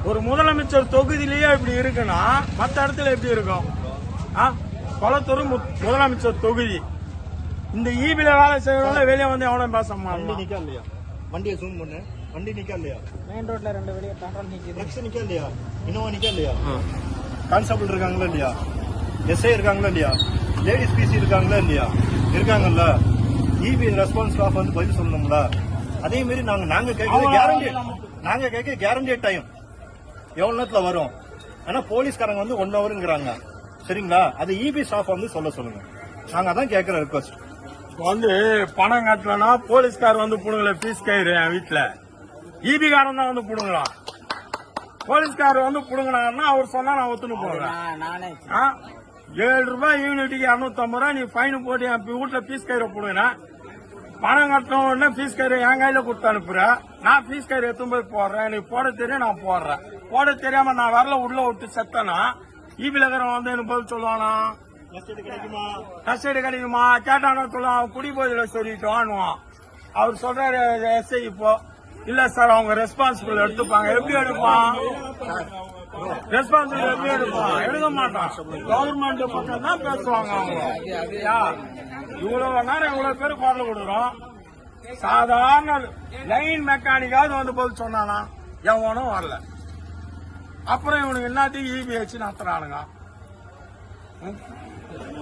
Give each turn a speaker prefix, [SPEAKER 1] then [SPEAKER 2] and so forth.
[SPEAKER 1] ஒரு முதலமைச்சர் தொகுதியிலேயே இப்படி இருக்குன்னா மற்ற இடத்துல எப்படி இருக்கும்? கொளத்தூர் முதலமைச்சர் தொகுதி. இந்த ஈபில வேலை செய்யறவங்க வெளியே வந்து எவ்வளவு பேச
[SPEAKER 2] நிக்கா இல்லையா? வண்டியை ஜூம் பண்ணு. வண்டி நிக்கா இல்லையா?
[SPEAKER 3] மெயின் ரோட்ல 2 வெளியே கண்ட்ரோல் நிக்குது.
[SPEAKER 2] ட்ரக்ஸ் நிக்கா இல்லையா? இன்னோவா நிக்கா இல்லையா? கான்ஸ்டபிள் இருக்காங்களா இல்லையா? எஸ்ஐ இருக்காங்களா இல்லையா? லேடிஸ் பிசி இருக்காங்களா இல்லையா? இருக்காங்கல்ல. இபி ரெஸ்பான்ஸ் ஸ்டாஃப் வந்து பதில் சொல்லணும்ல. அதே மாதிரி நாங்க கேட்க கேரண்டி டைம் எவ்வளவு நேரத்துல வரும். ஆனா போலீஸ்காரங்க வந்து 1 ஹவருங்கிறாங்க. சரிங்களா? அது இபி ஸ்டாஃப் வந்து சொல்லுங்க. நாங்க அதான் கேட்கிற ரிக்வஸ்ட்.
[SPEAKER 1] வந்து பணம் கட்டலன்னா போலீஸ்கார் வந்து புடுங்கல பீஸ் கயிறு என் வீட்டுல. இபி காரன் தான் வந்து புடுங்கலாம். போலீஸ்கார் வந்து புடுங்கினாருன்னா அவர் சொன்னா நான் ஒத்துன்னு போறேன். 7 ரூபாய் யூனிட்டுக்கு 250 ரூபாய் நீ ஃபைன் போட்டு என் வீட்டுல பீஸ் கயிறை புடுங்கின. பணம் கட்டணும் உடனே பீஸ் கயிறு என் கையில கொடுத்து அனுப்புறேன். நான் பீஸ் கயிறு எடுத்து போய் போடுறேன். எனக்கு போட தெரியும், நான் போடுறேன். போட தெரியாம நான் வரல உள்ள விட்டு செத்தனா இபில இருக்கிறவன் வந்து எனக்கு பதில் சொல்லுவானா? கஸ்டடி கிடைக்குமா கேட்டானா சொல்லுவான். குடி போதில சொல்லிட்டோம். அவர் சொல்றாரு எஸ்ஐ இப்போ இல்ல சார் அவங்க ரெஸ்பான்சிபிள் எடுத்துப்பாங்க. எப்படி எடுப்பான்? ரெஸ்பான்சிபிள் எப்படி எடுப்பான்? எடுக்க மாட்டான். கவர்மெண்ட் பக்கம் தான் பேசுவாங்க அவங்க. இவ்வளவு நேரம் இவ்வளவு பேர் குரல் கொடுக்குறோம். சாதாரண லைன் மெக்கானிக்காவது வந்து பதில் சொன்னானா? எவனும் வரல. அப்புறம் இவனுக்கு எல்லாத்தையும் இபி வச்சு நடத்துறானுங்க.